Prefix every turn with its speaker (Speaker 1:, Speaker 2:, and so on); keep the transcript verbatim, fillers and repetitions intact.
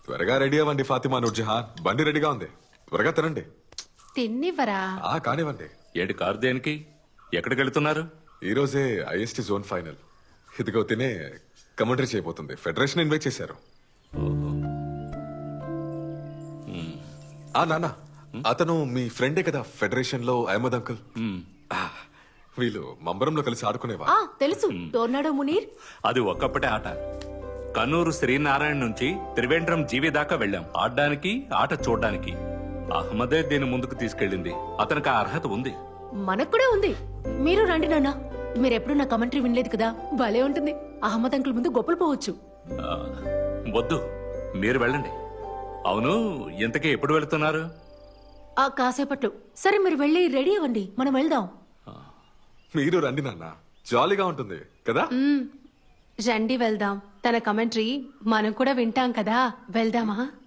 Speaker 1: త్వరగా రెడీ అవ్వండి ఫాతిమా నూర్జహాన్, బండి రెడీగా ఉంది, త్వరగా తినండి.
Speaker 2: తిన్నివ్వరా?
Speaker 1: ఆ కానివ్వండి.
Speaker 3: ఏడు కారు దేనికి? ఎక్కడికి వెళ్తున్నారు?
Speaker 1: ఈ రోజే ఐఎస్టీ జోన్ ఫైనల్. ఇదిగో తినే కమెంటరీ చేయబోతుంది. ఫెడరేషన్ ఇన్వైట్ చేశారు. ఆ నాన్న, అతను మీ ఫ్రెండే కదా ఫెడరేషన్ లో అహ్మద్ అంకుల్. ఆ, వీళ్ళు మంబరంలో కలిసి ఆడుకునేవా?
Speaker 2: ఆ తెలుసు, టోర్నాడో మునీర్.
Speaker 3: అది ఒక్కప్పటే ఆట. కన్నూరు శ్రీనారాయణ నుంచి త్రివేంద్రం జీవి దాకా వెళ్ళాం ఆడడానికి, ఆట చూడడానికి. అహ్మదే దీని ముందుకు తీసుకెళ్ళింది. అతనికి ఆ అర్హత ఉంది.
Speaker 2: మనకు కూడా ఉంది. మీరు రండి నాన్న. మీరెప్పుడు నా కమెంటరీ వినలేదు కదా, భలే ఉంటుంది. అహ్మద్ అంకుల్ ముందు గొప్పలు పోవచ్చు.
Speaker 3: ఆ, వద్దు, మీరు వెళ్ళండి. అవును, ఇంతకీ ఎప్పుడు వెళుతున్నారు?
Speaker 2: ఆ కాసేపట్లో. సరే మీరు వెళ్ళి రెడీ అవ్వండి, మనం వెళ్దాం.
Speaker 1: మీరు రండి నాన్న, జాలీగా ఉంటుంది కదా.
Speaker 2: రండి వెళ్దాం. తన కమెంటరీ మనం కూడా వింటాం కదా, వెళ్దామా?